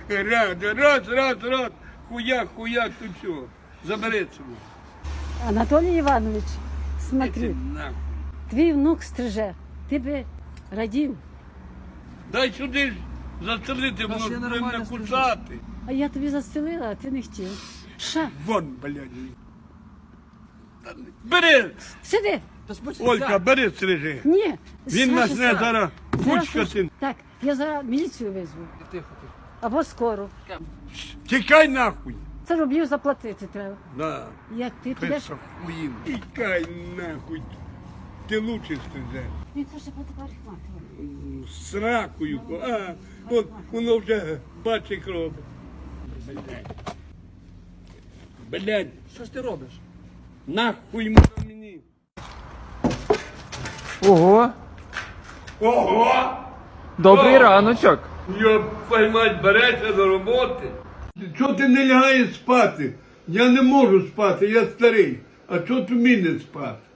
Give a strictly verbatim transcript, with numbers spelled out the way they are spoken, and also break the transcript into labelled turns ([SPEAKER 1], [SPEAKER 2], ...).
[SPEAKER 1] Раз, раз, раз, раз. Хуяк, хуяк, тут все. Забери цього.
[SPEAKER 2] Анатолій Іванович,
[SPEAKER 1] Іди
[SPEAKER 2] смотри,
[SPEAKER 1] нахуй.
[SPEAKER 2] твій внук стриже, ти би радів,
[SPEAKER 1] Дай сюди ж застрелити,
[SPEAKER 3] Та
[SPEAKER 1] воно
[SPEAKER 3] ще
[SPEAKER 1] ж
[SPEAKER 3] нормально
[SPEAKER 1] не накусати.
[SPEAKER 2] а я тобі застелила, а ти не хотів. Ша,
[SPEAKER 1] Вон, блядь. Та не- Бери!
[SPEAKER 2] сиди!
[SPEAKER 3] Та спочатку.
[SPEAKER 1] Олька, бери стрижи.
[SPEAKER 2] Ні,
[SPEAKER 1] Він
[SPEAKER 2] Саша,
[SPEAKER 1] нас не
[SPEAKER 2] Саша.
[SPEAKER 1] зараз
[SPEAKER 2] Зараз
[SPEAKER 1] кучкати.
[SPEAKER 2] Так, я зараз міліцію визву.
[SPEAKER 3] Тихо, тихо.
[SPEAKER 2] Або скоро.
[SPEAKER 1] Тікай нахуй.
[SPEAKER 2] Це рублів заплатити треба.
[SPEAKER 1] Да.
[SPEAKER 2] Як ти підеш?
[SPEAKER 1] Писа хуїв. Тікай нахуй. Ти лучше стрижеш.
[SPEAKER 2] Він каже, по парикмахеру.
[SPEAKER 1] З ракою. А, от воно вже бачить кров. Блядь. Блядь,
[SPEAKER 3] Що ж ти робиш?
[SPEAKER 1] нахуй воно мені.
[SPEAKER 4] Ого,
[SPEAKER 1] Ого!
[SPEAKER 4] добрий
[SPEAKER 1] О!
[SPEAKER 4] раночок.
[SPEAKER 1] Йоп, мать, береться до роботи. Чого ти не лягаєш спати? Я не можу спати, я старий. А чого ти мені спати?